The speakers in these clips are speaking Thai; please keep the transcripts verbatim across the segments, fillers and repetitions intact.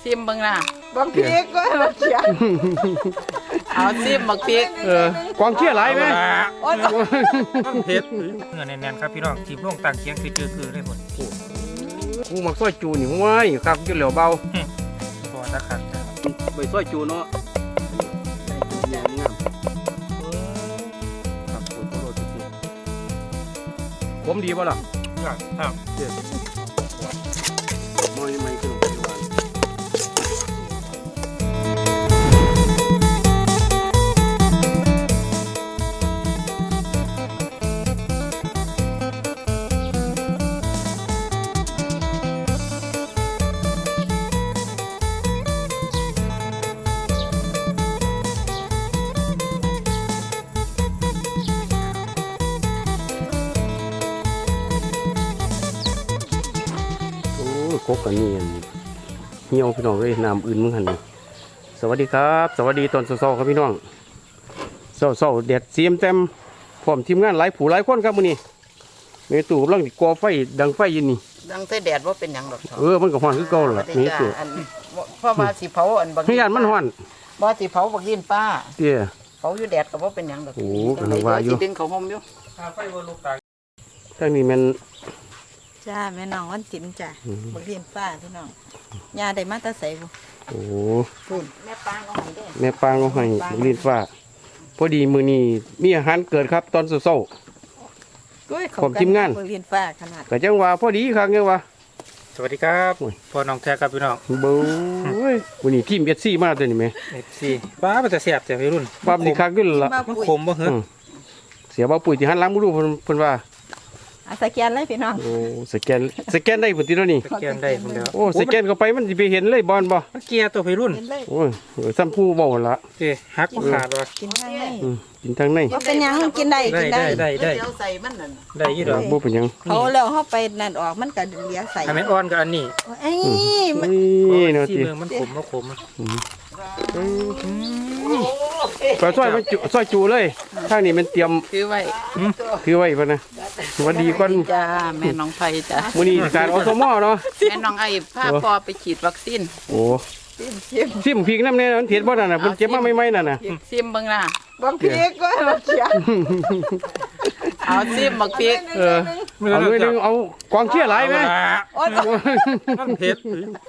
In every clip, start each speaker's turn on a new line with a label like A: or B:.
A: ซิมเบิ่งน่ะ
B: บักพริกก็บักเขีย
A: เอาซิมบักพริก
C: เออกองเชียร์หลายไหม
B: โอ้ย
D: ต้องเผ็ดเนื้อแน่นๆครับพี่น้องทีมลงต่างเคียงคือเจอคือได้ผล
C: กูมักซอยจูนี่ห้วยครับกินเหลวเบา
D: พอตะขัด
C: ไปซอยจูเนาะงามงามครับโคตรโลดจริงผมดีป่ะล่ะ
D: ครับครับ
C: มอยไม่ขนมไทยหวานกบกันนี่เหี่ยวพี่น้องเลยน้ำอื่นมึงหันนี่สวัสดีครับสวัสดีตอนเช้าๆครับพี่น้องเช้าๆแดดเสียมเต็มพร้อมทีมงานหลายผู้หลายคนครับมื้อนี้เมตู่กำลังก่อไฟดังไฟอยู่นี่
A: ดังใส่แดดว่าเป็นหยังดอกเถาะ
C: เออมันก็ฮ้อนคือเก่าล่ะเมตู่
A: อันเพราะว่าสิเผาอันบัก
C: พี่ยานมันฮ้อน
A: บ่สิเผาบักดินป้า
C: เตี้ย
A: เผาอยู่แดดก็บ่เป็นหยังดอก
C: โอ้กำลังว่าอยู่
A: สิดึงเขาห่มอยู่
D: ไฟบนลูกตา
C: ทางนี้มัน
B: จ้าแม่น้องวันจินจ้ะบักเรียนฟ้าพี่น้องยาได้มาแตาใส่บุ
C: โอ้
A: พุ่นแม่ปางเอาให้เด้อ
C: แม่ปางเอาให้ลิ้นฟ้าพอดีมื้อนี้มีอาหารเกิดครับตอนเช้า
B: กุ้ยเขา
C: ผมทีมงาน
B: บักเรียนฟ้าขนาด
C: ๆก็จังว่าพอดีครับเนี่ยว่า
D: สวัสดีครับพ่อน้องแท้ครับพี่น้อง
C: เบ้ยวันนี้ทีมเอสซีมาตัวนี้ไหม
D: เอฟซีป้ามันจะเสียบแต่พี่รุ่น
C: ปั๊บนี่คักขึ้นละ
B: มา
D: มัน
B: ปุ๋ย
D: ขมบ่เหรอ
C: อืมเสียบ่ปุ๋ยที่หันหล้างมือดูเพิ่นเพิ่นว่า
B: อาสแกนเลยพี่น้อง
C: โอ้สแกนสแกนได้พุ่นติแล้วนี่
D: สแกนได้ผมเดียว
C: โอ้สแกนเข้าไปมันสิไปเห็นเลยบอลบ่
D: มันเกียร์ตัวพี่รุ่น
B: กินเลย
C: โอ้ยเออซ้ำผู้เว้าหั่นละ
D: เจ๊ฮักบ่ขาดว่ะ
B: กินข้างใน
C: อืมกินทางใน
B: ว่าเป็นหยังกินได้
D: ได้
B: กิน
D: ได้
B: ได้
D: ได้ได้
A: เดี๋ยวใส่มันนั่น
D: ได้ยี่ดอก
C: บ่เป็นหยัง
B: เขาแล้วเขาไปนั่นออกมันก็เหลียใส่
D: ทำให้อ่อนกับอันนี้
B: ไอ้มัน
C: นี่เนาะ
D: ที่
C: ติ
D: เมืองมันขมมันขม
C: ก็ซอยมันจุซอยจูเลยทางนี้มันเตรียม
A: คือไว้
C: ถือไว้พุ่นนะสวัสดีก่อน
A: จ้าแม่น้องไผจ้า
C: มื้อนี้การอสมเนาะ
A: แม่น้องไอ้พาพ่อไปฉีดวัคซีน
C: โอ้
B: ชิมชิม
C: ซิมพริกน้ำแน่มันเผ็ดบ่นั่นน่ะเพิ่นเก็บมาใหม่ๆนั่นน่ะ
A: ซิมเบิ่งน่ะ
B: บักพริกก็บักเขีย
A: เอาซิมบักพริก
C: เออเอาด้วยนึงเอากองเชียร์หลายไหม
B: โอ้ย
D: มันเผ็ด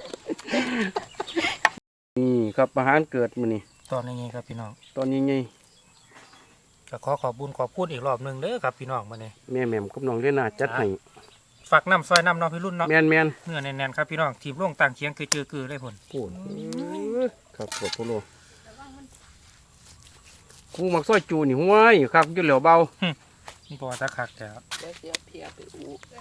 C: นี่ครับอาหารเกิดมื้อนี้
D: ตอนนี้ครับพี่น้อง
C: ตอนนี้ไง
D: ก็ขอขอบบุญขอบพูดอีกรอบหนึ่งเด้อครับพี่น้องมาเนี่ย
C: แม่แหม่มกับน้องเลน่าจัดให้
D: ฝากน้ำซอยน้ำน้องพี่รุ่นเนาะ
C: แม่นแม่น
D: เนื้อแน่นๆครับพี่น้องทีมลงต่างเคียงคือเจอคือได้ผล
C: โอ้ครับปวดโพโลกูมักซอยจูนี่ห้วยครับกินเหลวเบา
D: นี่พอตะขักแต่
A: เดี๋ยวเสียเพียไปอู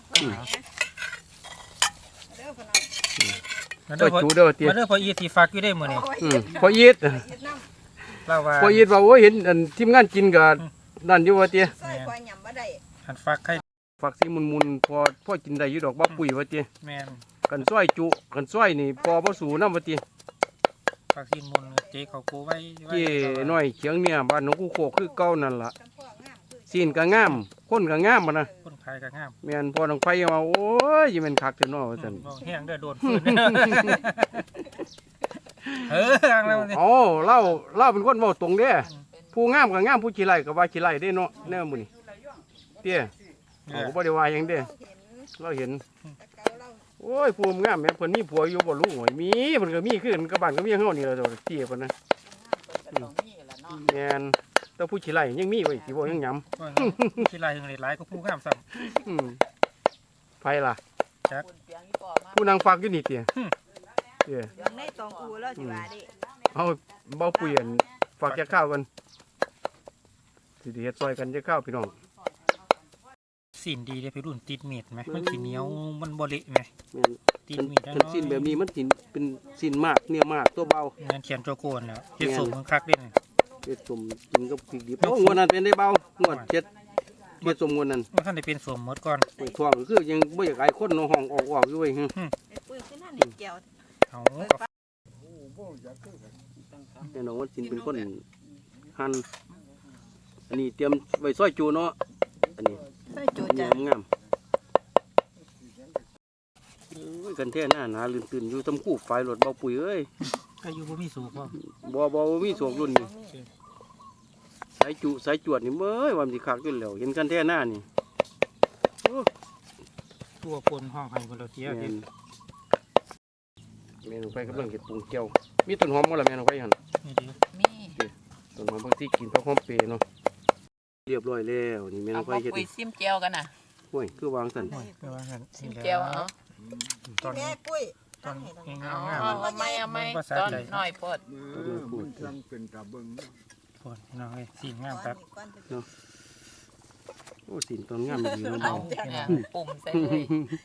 D: มา
C: ซ
D: เด้
C: อ
D: อย พอ
C: จูเด้อเตี้ย
D: มาเด้อพออีทีฝากอยู่ได้มื้อนี้
C: อืมพอยีด
D: เล่าว่า
C: พอยีดว่าโอ้ยเห็นอันทีมงานกินกับนั่นอยู่ว่าเตี้ย
B: ใส่ควายหยำมาได้
D: หันฝากไข่
C: ฝักสีมุนๆพอพอกินได้อยู่ดอกบ่ปุ๋ยว่าเตี้ย
D: แมน
C: กันซอยจุกันซอยนี่พอบ่สูนำว่าเตี้ย
D: ฝากซีนมุนเจ๊เขากูไว้ไว้
C: เจ้น้อยเขียงเนี่ยบ้านหนองกูโคกคือเก่านั่นล่ะซีนก็งามคนก็งามบ่นะ
D: คนขายก็งาม
C: แม่นพอน้องไผว่าโอ้ยยังแม่นคักเถอะเนาะว่าซั่น
D: มองแห้งได้อโดนฟืนเออทางแล้วมันสิ
C: อ๋อเล่าเล่าเป็นคนเว้าตรงเด้ผู้งามก็งามผู้ขี้ไร่ก็ว่าขี้ไร่เด้เนาะแนวมื้อนี้เตี้ยเขาก็บ่ได้ว่าหยังเด้เราเห็นโอ้ยผู้งามแม่เพิ่นมีผัวอยู่บ่รู้หวยมีเพิ่นก็มีคือกันกับบ้านกับเมียเฮานี่ล่ะเจ้าเตี้ยเพิ่นนะแม่นแต่ผู้ขี้ไร่ยังมีไว้สิบ่ยังหยำ
D: ที่ลายถึงหลายก็ผู้งามซ้
C: อืมไผล่ะ
D: ำจัก
C: ผู้นางฝากอยู่นี่เตี้ยเตี้ย
B: ยังในตองอูแล้วสิว่าดิ
C: เอาเบาเปลี่ยนฝากจะข้าวกันสิเฮ็ดซอยกันจะข้าวพี่น้อง
D: สินดีเด้อพี่รุ่นติดมีดไหมมันสีเหนียวมันบ่เละไหม
C: แม่น
D: ติดมีด
C: เป็นสิ้นแบบนี้มันสินเป็นสิ้นมากเนี่ยมากตัวเบา
D: เงินเขียนโจโกนแล้วเฮ็ดสมมันคักเด่น
C: เฮ็ดสมกินกับพริกดิบโอ้งวดนั้นเป็นได้เบางวดเจ็ดเฮ็ดสมงวดนั้น
D: มันท่านได้เป็นสมหมดก่อน
C: ไอ้ท้องก็คือยังบ่อยากให้คนเนาะห้องออกออกอยู่เว้ยฮึ
B: ไอ้ปุ้ยขึ้นนั่นเด็กแก้ว
D: เอา
C: แน่นอนว่าสินเป็นคนหั่นอันนี้เตรียมไว้ซอยจูเนาะอันนี้
B: ใส่จู
C: อันนี้
B: จ้ะ
C: งามโอ้ยกันแท้หน้าหนาลื่นตื่นอยู่ตำคู่ไฟรถเบาปุ๋ยเอ้ย
D: ก็อยู่บ่มีสูบพ่อ
C: บ่บ่บ่มีสวกรุ่นนี่สายจุสายจวดนี่เบ้ยว่ามันสิคักอยู่แล้วเห็นกันแท้หน้านี่โอ้
D: ตัวปนห้องให้คนเราเที่ยว
C: แม่
D: เด็
C: นแม่นไปกำลังเฮ็ดปรุงแก้วมีต้นหอมบ่ล่ะแม่นไปหั่น
D: นี่ดี
A: มี
C: ต้นหอมบางทีกินเพราะหอมเปรย์เนาะเรียบร้อยแล้วนี่แม่น
A: เอา
C: ไป
A: มา
C: เฮ็ด
A: ปุยซิมแก้วกันน่ะ
C: โอ้ยคือวางซั่น
D: โอ้ยไปว่ากัน
A: ซิมแก้วเอา
D: ตอน
B: แม่ปุ้ย
D: ตอนง
A: เอา
D: งาม
A: เอาเอาไม่เอาไม่ตอนน้อยโพด
E: เออมันจังเป็นตาเบิ่งเนาะ
D: ๆปนพี่น้องเอ้ยสีงามครับ
C: โอ้สินต้นงามดีเนาะ
A: เอา
C: เบา
A: เนี่ยปุ่มใส่เลย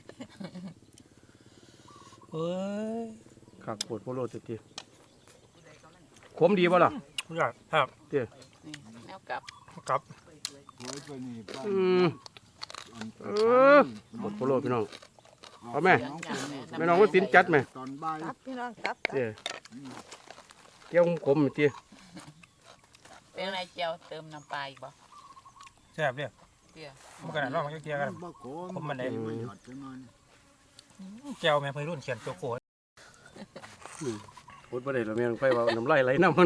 D: เอ้ย
C: คักโคตรโพโลจักทีขมดีบ่ล่ะ
D: ผู้ใหญ่ครับ
A: นี่แนวกลับ
D: กลับ
E: โอ้ยตัวนี้ป้า
C: อืมเออโคตรโพโลพี่น้อง เอาแม่ แม่น้องว่าสินจัดไหม
E: ตอนบ่าย
B: ตับพี่น้องตับตับ
C: เจ้เกี่ยวขมๆเจ้
A: เป็นอะไรเจียวเติมน้ำปลาอีกบ่
D: แซ่บเด้อ
A: เตี้ย
D: มันก็น่าลองมาเกี่ยวกัน
E: บ่โกน
D: ผมมันได้
E: บ่หยอดจังหน่อย
D: แก้วแม่เพิ่นรุ่นเขียนโจโกะ
C: พูดบ่ได้หรอกแม่นไปว่าน้ำลายไหลน้ำมัน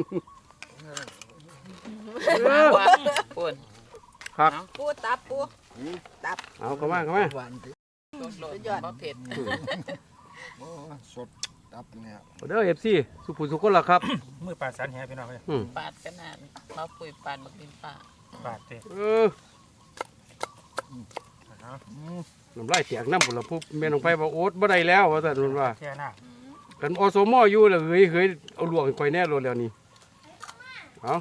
A: มาว่าปุ่น
C: ครับ
B: ปูตับปู
C: เอาเข้ามาเข้ามา
E: หวานติ
A: โดดยอดบ่เผ็ด
E: โอ้สดตับเนี่ย
C: เด้อ เอฟ ซี สุภูสุคนล่ะครับ
D: มือปลาสันแหพี่น้องเอ้ย
C: อืม
A: ปาดกันน่ะมาปุยปาดบักดินป้า
D: บาดเด้อ
C: เออ
D: เอา
C: น้ำลายแตกน้ำพุ่นล่ะปุ๊บแม่น้องไปว่าโอ๊ตบ่ได้แล้วว่าซั่นเพิ่นว่า
D: แค่หน้า
C: กันอสมอยู่แล้วเฮ้ยเฮ้ยเอาลวกให้ข่อยแน่โลดแล้วนี่เอา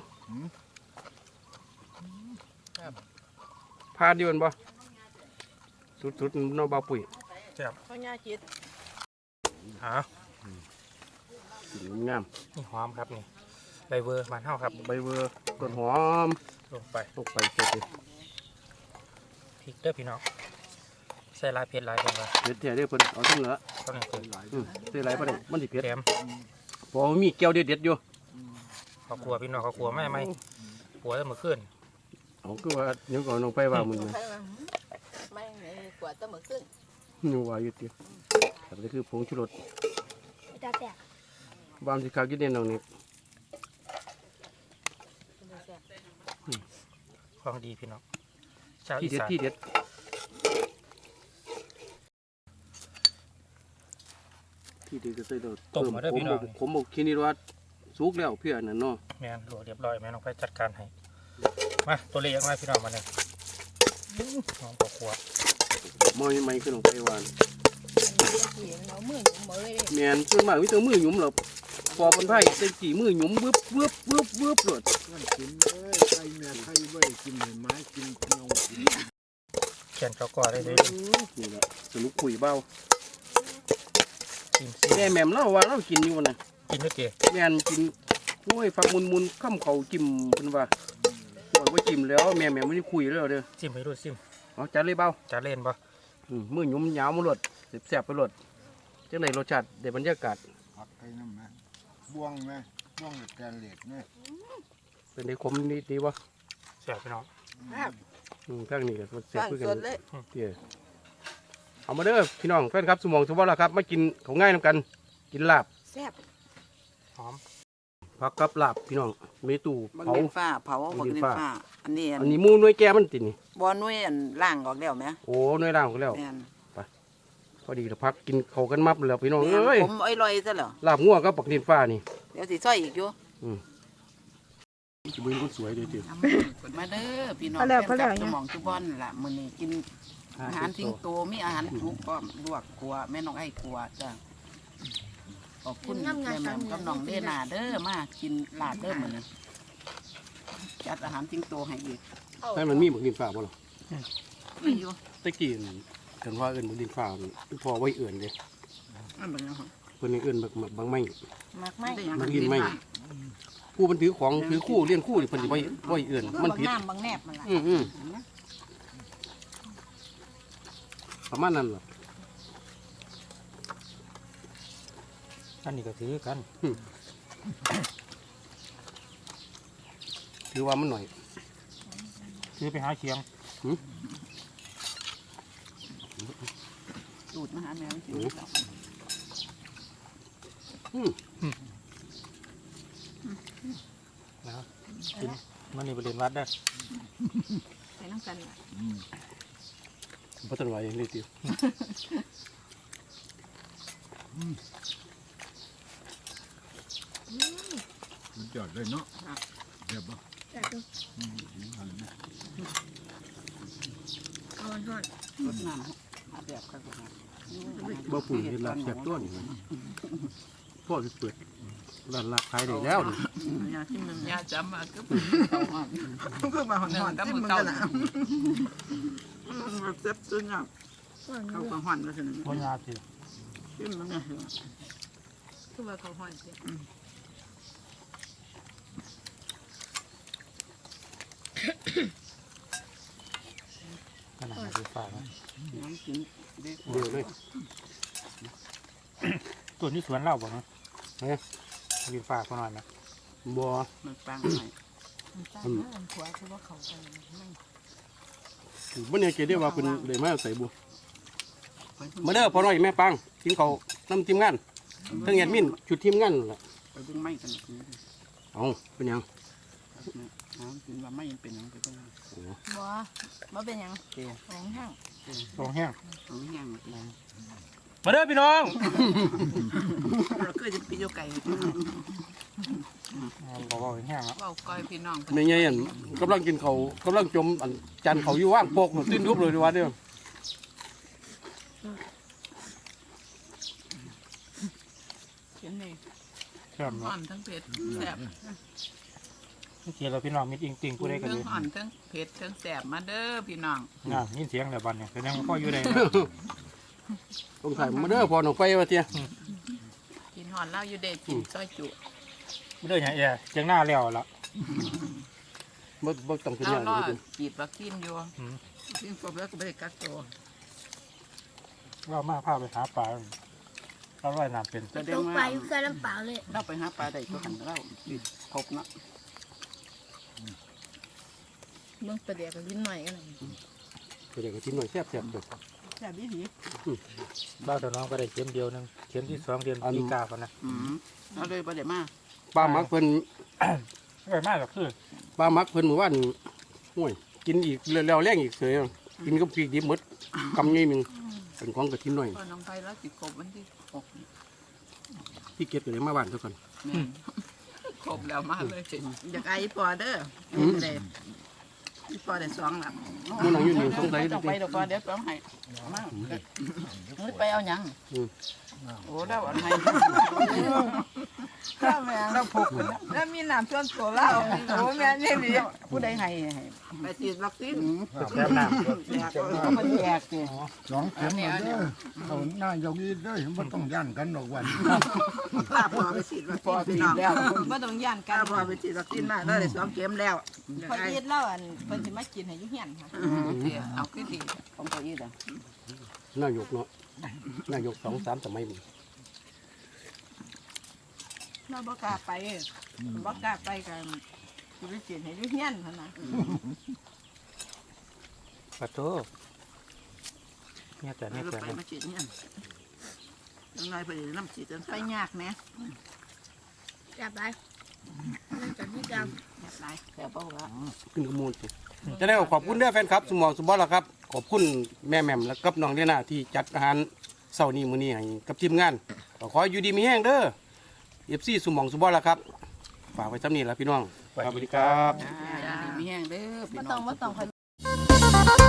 C: พาดอยู่แม่นบ่สุดๆเนาะบ่าวปุ๋ย
D: แซ่บ
B: เขาย่าจิต
D: หา
C: สีงาม
D: นี่หอมครับนี่ใบเวอร์บ้านเฮาครับ
C: ใบเวอร์ต้นหอม
D: ลงไป
C: ลงไปเสร็จเลย
D: พริกเด้อพี่น้องใส่ลายเผ็ดลายกันว่า
C: เด็ดแท้เด้อเพิ่นเอาทั้งเหลือ
D: ต้องอย่างคือ
C: อืมใส่หลายบ่ได้มันสิเผ็ด
D: แถม
C: เพอมีแก้วเด็ดๆอยู่
D: เขากลัวพี่น้องเขากลัวไม่ไม่กลัวจะมือขึ้น
C: เอาคือว่าเดี๋ยวก่อนลงไปว่ามึงนะ
B: ไม่กว่าจะเหมือนขึ้น
C: อยู่ว่าอยู่ติครับนี่คือผงชูรส
B: จ้าแตก
C: บามสิคักอยู่เด่นน้องนี่
D: ของดีพี่น้องชาว
C: ที่
D: อี
C: เด็ด
D: สาน
C: ที่เด็ดที่เด็ดก็ใส่ดอกผมผมบอกคิดนี่ว่าสุกแล้วเพื่อนน่ะเนาะ
D: แม่นหลวเรียบร้อยแม่น้องไปจัดการให้มาตัวเล็กมาพี่น้องมาเลยน้องปอกขวบ
C: มอยไม่ขึ้นลงไปวาน
B: เรามือหนุ่มเลย
C: แม่นส่วนมากมีแต่มือหยุมหรอกพอเป็นไผ่ใส่กี่มือหยุมวึบวึบวึบวึบโลด
E: มันกินเอ้ยไข่แม่ไข่ไว้กินให้ไม้กินเงากิน
D: เขียนเขาก่อได้เลย
C: นี่แหละสนุกคุยเบ้า
D: กินซิ
C: แม่แม่มเล่าว่าเรากินอยู่น่ะ
D: กินด้วยเก๋
C: แม่นกินโอ้ยฟักมุนมุนๆข้ามเขาจิ้มเพิ่นว่าบอกว่าจิ้มแล้วแม่แม่ไม่ได้คุยแล้วเด้อ
D: ซิมไปดูซิม
C: เอาจัดเลยเบ้า
D: จะเล่นปะ
C: อืมมือหยุมยาวมาโลดแซ่บๆไปโลดจังได๋รสชาติได้บรรยากาศ
E: ผักไข่น้ำแม่บ่วงแม่บ่วงแกนเหล็กแม่
C: เป็นได้คมนิดดีบ่
D: เสียพี่น้อง
C: อืมทางนี้ก็แซ่บ
B: สร้าง
C: คือกั
B: ส
C: น
B: ดเลย
C: เตี้ยเอามาเด้อพี่น้องแฟนครับสมองสุบ่ล่ะครับมากินของง่ายนํกัน กินลาบ
B: แซ่บ
D: หอม
C: ผักกับลาบพี่น้องมีตู้
A: บัก
C: เผา
A: ดินฟ้าเผา
C: บั
A: บั
C: ก
A: ก
C: ดิ
A: ดิ
C: น
A: น
C: ฟ้า
A: ฟ้าอันนี้อัน
C: อันนี้หมูหน่วยแก่มันตินี่
A: บ่นุ่ยอันล่างออกแล้วแหม
C: โอ้หน่วยร่างของแล้ว
A: แม่น
C: พอดีแล้วพักกินเขาวกันมับแล้วพี่น้อง
A: แม่
C: เอ้ย
A: นผมอ้อยลอยซะเหรอ
C: ลาบงัวกับปักดินฟ้านี่
A: เดี๋ยวสิซอยอีกอยู่
C: บืนคนสวยเลยติ
A: มาเด้อพี่น้อง
B: พอแล้วพอแล้ว
A: ฟนคบสมองทุกบ้านล่ะมื้อนี้กินอาหารทิ้งโตมีอาหารทุกพร้อมลวกกัวแม่น้องไอ้กัวจ้ะขอบคุณแม่แม่กับน้องเด้นาเด้อมากินลาบเด้อมื้อนี้จัดอาหารทิ้งโตให้อีก
C: ให้มันมีปักดินฟ้าบ่ล่ะ
A: มีอยู่
C: ตะกี้กันว่าเอิ้นปักดินฟ้านี่พอไว้เอิ้นเด้
A: อันเป็นยังไง
C: เพิ่นเอิ้นบักบางไม้
B: มากไหม
C: บักดินไม้ผู้มันถือของถือคู่เลี้ยนคู่นี่เพิ่นสิไว้ไว้เอิ้นมัน
B: บาง
C: ผิด
B: น้ำบางแนบมันละ
C: อืมอืมประมาณนั้นล่ะ
D: อันนี้ก็ถือกัน
C: ถือว่ามันหน่อย
D: ถือไปหาเคียง
A: ตูดมาหาแมวกินแล้ว
D: นะกินมันนี่บริเวณวัดได้
B: ใส่น้ำกันล่ะ
C: บ่ทันไหวอย่างนี้ติว
E: มันจอดเลยเนาะเดี๋ยวบ่
B: แต่ก็เอาทอด
A: รดน้ำหาแบบกัน
C: บ่ปุ่นเฮ็ดลาบแซ่บตัวนี่พ่อสิเปิดร้านลาบขายได้แล้วนี่
A: ยาที่มันยาจำมาก็เป็นเตาหอนก็มาหอนหอนก็มือเตาเจ็บจนอ่ะเขาก็หอนมาสิ
D: พญาสิ
A: ขึ้นมันเนี่ย
B: คือว่าเขาห่อนเสีย
D: ขนาดไหนดูฝากนะ
A: น้ำกินเด็ก
C: เดียวเลย
D: ตัวนี้สวนเล่าบ่เนาะเฮ้ยดูฝากเขาหน่อยไหม
C: บ่
A: มันปังหน่อย
B: อืมขวาคือว่าเขากันไม่
C: บ่เนี่ยเกได้ว่าเพิ่นได้มาใส่บุมาเด้อพ่อน้อยแม่ปังทีมเขานำทีมงานทั้งแอดมินชุดทีมงานนั่นล่ะ
A: ไปดึงไม้กัน
C: เอ้าเป็นหยัง
A: น้ำกินว่าไม่เป็นยังไปเป็น
B: บ่บ่เป็นหยัง
A: เตี้ย
B: ของห้าง
D: ตรงแห้ง
A: ของแห้งเลย
D: มาเด้อพี่น้อง
A: เราเคยจะปีโยไก่
D: บอกว่าแห้งแล้ว
A: ว่าก้อยพี่น้อง
C: แม่ใหญ่อันกำลังกินเขาวกำลังจมอันจานเขาวอยู่ว่างโปกติ้นทุบเลยดีว่าเด้อ
A: เขียนนี่
D: แซ่บ
A: ห่
D: เนาะ
A: อนทั้งเผ็ดแสบ
D: เมื่อกี้เราพี่น้องมิดจริงๆผู้ใดกัน
A: ทั้
D: เล
A: ง
D: ย
A: ห่อนทั้งเผ็ดทั้งแสบมาเด้อพี่น้อง
D: น่ายินเสียงแต่บันเนี่ยแสดงว่าพ่ออยู่ใด
C: ต้องใส่มาเด้อพอหนองไปว่าเตี้ย
A: กินห่อนเล่าอยู่เด็ดกินซอยจุ
D: ไม่ได้อย่างเอ๋จังหน้าแล้วละ
C: บ่บ่ต้องเป็น
A: เล่า
C: อย่าง
A: ล่อ
C: นี้
A: จีบวัคซีนอยู่กินครบแล้วก็ไปกักตัว
D: เรามาพาไปหาปลาเราว่ายน้ำเป็น
A: แสด
F: ต
A: ง
F: ก
A: ว่า
F: ไปอยู่แค่ลำเปล่าเลย
A: เราไปหาปลาได้ก็หันเราจีบครบเนาะ
B: เบิ่งประเดี๋ยวก็ลิ้นหน่อยกัน
C: เดี๋ยวก็กินหน่อยแซ่บๆเด้อ
A: แสบดีดี
D: บ้านตัวน้องก็ได้เข็มเดียวหนึงเข็มที่สองเดือนปีกาคนนะ
A: อืมเราเลยประเดี๋ยวมา
C: ปลาหมักเพิ่น
D: ไม่มากก็คือ
C: ปลาหมักเพิ่นเมื่อวานห่วยกินอีกแล้วแรงอีกเสยกินกับพริกดิบหมดกำใหญ่หนึงเป็นของกระทินหน่อย
A: พอน้องไปแล้วติดครบวันที่หก
C: ที่เก็บอยู่ในมาบ้านทุกคน
A: ครบแล้วมาเลยอยากไอ้ปอเด้อเลยอีปอได้สองละ
C: มันนั่งอยู่นี่สงสัย
A: ต้อง
C: ดิ
A: ไปเดี๋ยวก่อนเดี๋ยวต้องให้มาไปเอาหยังโอ้แล้วอะไรเราผูกกันแล้ว
B: แล้วมีน้ำส่วนตัวเล่าโอ้แม่นี่ดิ
A: ผู้ใดให้ให้ไปฉีดวัคซีน
D: แซ่บน้
A: แจกก็มันแจกสิ
E: สองเข็มมาเด้อเขาหน้ายกนี้เด้อมันต้องย่านกันดอกวัน
A: ป้าพอไปฉีดวัคซีนพี่น้องแล้ว
B: บ่ต้องย่านกั
A: ป้าน พอไปฉีดวัคซีนมาแล้วได้สองเข็มแล้ว
B: พอยีดเล่าอันเพิ่นสิมากินให้อยู่เฮียนค่ะ
A: เอาขึ้นดีของตัวอีดอ่ะ
C: นายกเนาะนายกสองสามสมัยมัน
B: เราบ่กล้าไปบ่กล้าไปกันสิไปกินให้อยู่เฮียนหั่นน่ะ
D: ำปลาโตเนี่ยแต่
A: ไป
D: เนี่ยแต่
A: ไปมาฉีดเนี่ยยังไงไปน้ำฉีดจน
B: ไปยากแหม
F: จับไปนั่นจับที่ก
A: แอบไรแอบเบาละ
C: ขึ้นกระมูลสิจะได้ขอบคุณเด้อแฟนครับ สมองสมบัติละครับ ขอบคุณแม่แหม่มและกับน้องเดน่าที่จัดอาหารเช้านี้มื้อนี้ให้กับทีมงานก็ขออยู่ดีมีแห้งเด้อเอฟซีสมองสมบัติละครับฝากไว้ซ้ำนี้ละพี่น้อง
D: สวัสดีครับ
A: มีแห้งเด้อพี่
B: บ่
A: น้
B: ต้
A: อ
B: อง
A: ง
B: บ่ต้อง